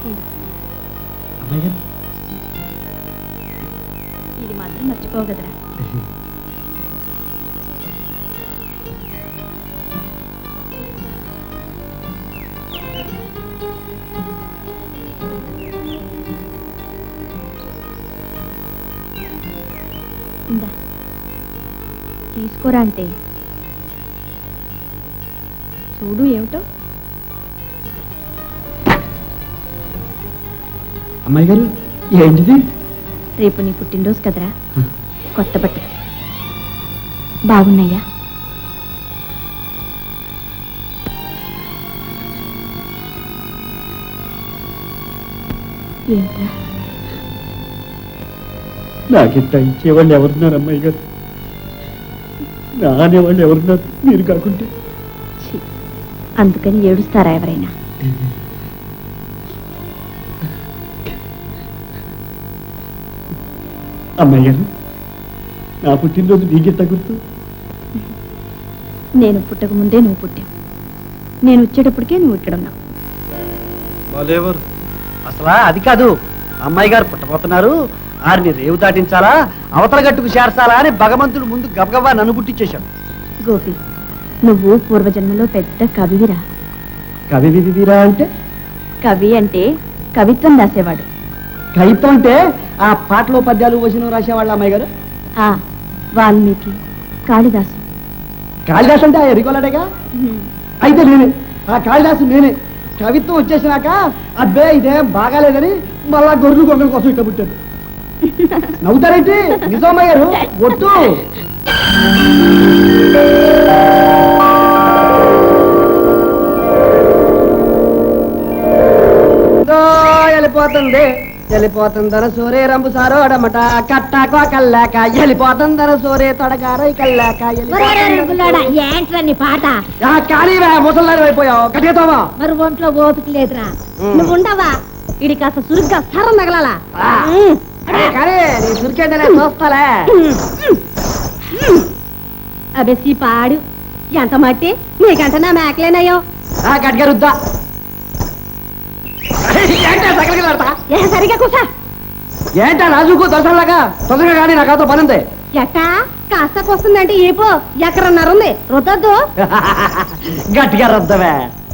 అమ్మాయి గారు ఇది మాత్రం మర్చిపోగదరా? ఇందా తీసుకోరా అంటే చూడు ఏమిటో. అమ్మాయి గారు ఏంటిది? రేపు నీ పుట్టినరోజు కదరా, కొత్త బట్టలు బాగున్నాయా? ఏంట్రా నాకింత ఇచ్చేవాళ్ళు ఎవరున్నారు అమ్మాయి గారు? నా అనేవాళ్ళు ఎవరున్నారు మీరు కాకుంటే? అందుకని ఏడుస్తారా ఎవరైనా? అమ్మాయి గారు నా పుట్టినరోజు నీకెంత గుర్తు? నేను పుట్టక ముందే నువ్వు పుట్టావు, నేను వచ్చేటప్పటికే నువ్వు ఇక్కడ ఉన్నావు. బాలేవారు అసలా అది కాదు, అమ్మాయి గారు పుట్టబోతున్నారు, ఆరిని రేవు దాటించాలా అవతల గట్టుకు చేర్చాలా అని భగవంతుడు ముందు గబగబా నన్ను పుట్టించేశాడు. గోపి, నువ్వు పూర్వజన్మలో పెద్ద కవివిరా. కవివిరా అంటే? కవి అంటే కవిత్వం రాసేవాడు. కవిత్వం అంటే ఆ పాటలో పద్యాలు వచనం రాసేవాళ్ళ అమ్మాయి గారు? వాల్మీకి, కాళిదాసు. కాళిదాసు అంటే ఆ ఎరిగోలాడేగా? అయితే నేనే ఆ కాళిదాసు, నేనే. కవిత్వం వచ్చేసినాక అబ్బే ఇదేం బాగాలేదని మళ్ళా గొర్రెలు గొర్రెల కోసం ఇట్లా పుట్టాను. నవ్వుతారేంటి? నిజం అమ్మాయి గారు, ఒట్టు. వెళ్ళిపోతుంది వెళ్ళిపోతుందర సోరే రంబు సారోడమట కట్టాకో కల్లాక వెళ్ళిపోతుందర సోరే తొడగారై కల్లాక ఏంట్రా పాట? కానీ ముసల్లారి అయిపోయావు కట్టేతావా? మరి ఒంట్లో ఓపిక లేదురా, నువ్వు ఉండవా? ఇడి కాస్త సురుగ్గా సరం తగలాలా? కానీ నీ సురికేంటనే చూస్తాలే. అబెసి పాడు ఎంత మట్టి నీకంట నా మేకలేనయ్యో. గట్టిగా రుద్దా సరిగా కూసా. ఏంటా రాజుకు దర్శనంలాగా తొందరగా కానీ నాకు అదో పని ఉంది. ఎట్టా కాస్త వస్తుందంటే ఏపో ఎక్కడన్నారుంది రుద్దద్దు. గట్టిగా రుద్దవే.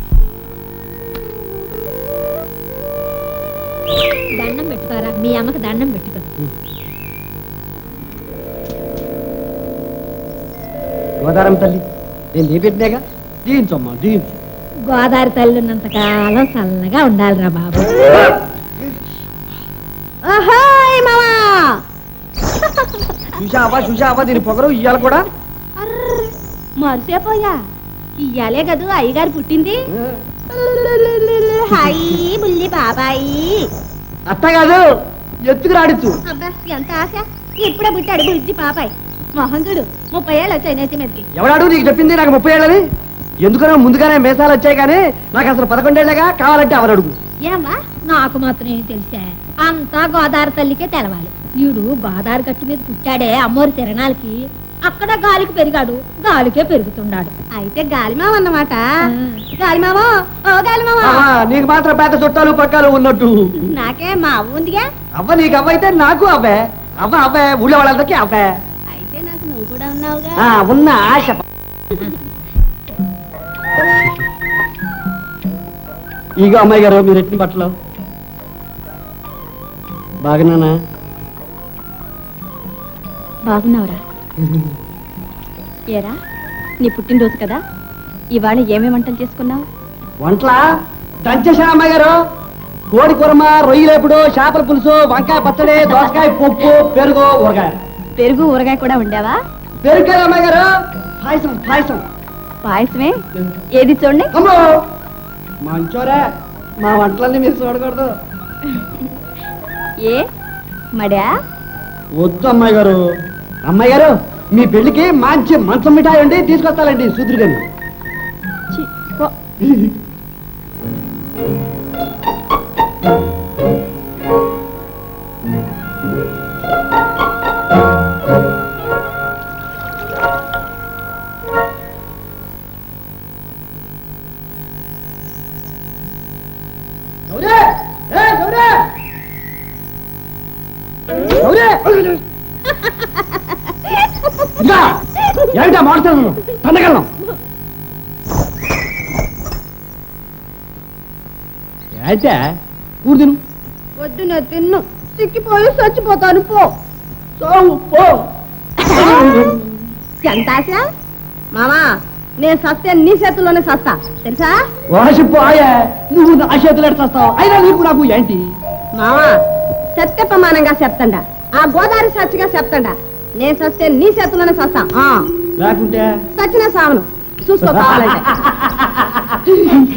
దండం పెట్టుకోరా, మీ అమ్మకి దండం పెట్టుకో. గోదారం తల్లి నేను నీ పెట్టినాగా, దీంచమ్మా దీంచు. గోదావరి తల్లి ఉన్నంత కాలం చల్లగా ఉండాలిరా బాబు. చూసావా దీని పొగరు ఇయ్యాలి కూడా. మరిసేపోయా, ఇయ్యాలే కదూ అయ్యగారు పుట్టింది. హాయ్ బుల్లి బాబాయి. అత్త కాదు, ఎత్తుకు రాడిచ్చు. అబ్బా ఎంత ఆశ, ఇప్పుడే పుట్టాడు బుజ్జి పాపాయి. మొహం చూడు, 30 ఏళ్ళు వచ్చాయి నెత్తి మీదకి. ఎవడాడు నీకు చెప్పింది నాకు 30 ఏళ్ళని? ఎందుకనో ముందుగానే మేసాలు వచ్చాయి కానీ నాకు అసలు 11 ఏళ్ళగా. కావాలంటే ఎవరు అడుగు. ఏమ్మా నాకు మాత్రం ఏం తెలిసా, అంతా గోదావరి తల్లికే తెలవాలి. వీడు గోదావరి గట్టు మీద పుట్టాడే అమ్మోరి తిరణాలకి, అక్కడ గాలికి పెరిగాడు, గాలికే పెరుగుతున్నాడు. అయితే గాలిమావ అన్నమాట. గాలిమావో, ఓ గాలిమావా. నీకు మాత్రం పెద్ద చుట్టాలు పక్కాలు ఉన్నట్టు. నాకే మా అవ్వ ఉందిగా. అవ్వ నీకు అవ్వైతే నాకు అవ్వే. అవ్వే ఊళ్ళో వాళ్ళందరికీ అవ్వే. అయితే నాకు నువ్వు కూడా ఉన్నావుగా. ఉన్న ఆశ. ఇగో అమ్మాయి గారు మీరు ఎట్టిన బట్టలు బాగున్నానా? బాగున్నావురా? ఏరా నీ పుట్టినరోజు కదా, ఇవాళ ఏమేమి వంటలు చేసుకున్నావు? వంటలా దంచేసా అమ్మాయి గారు. కోడి కూరమ, రొయ్యలేపుడు, చేపల పులుసు, వంకాయ పచ్చడి, దోసకాయ పప్పు, పెరుగు ఊరగాయ. పెరుగు ఊరగాయ కూడా ఉండేవా? పెరుగు కదా అమ్మాయి గారు. పాయసం పాయసం. పాయసమే ఏది చూడండి. అమ్మో మంచోరే, మా వంటలన్నీ మీరు చూడకూడదు. ఏ మడా? వద్దు అమ్మాయి గారు. అమ్మాయి గారు మీ పెళ్లికి మంచి మంచం మిఠాయి అండి తీసుకొస్తానండి సూదురు గాని. గౌరీ! గౌరీ! ఇదిగో, ఏమిటా మాట్లాడుతున్నాను తన్నగలను ఏంటే ఊరు తిను వద్దు నేను తిన్ను చిక్కిపోయి చచ్చిపోతాను పో చావు పో ఎంత ఆశ మామా నేను సస్తే నీ చేతుల్లోనే సస్తా తెలుసా వాసిపోయే నువ్వు నా చేతులు ఎడతావు అయినా నీకు నాకు ఏంటి మామా సత్య ప్రమాణంగా చెప్తాండా ఆ గోదావరి సచ్చిగా చెప్తాండా నేను సస్తే నీ చేతుల్లోనే సస్తా లేకుంటే సచ్చిన సావను చూసుకో కావాలంటే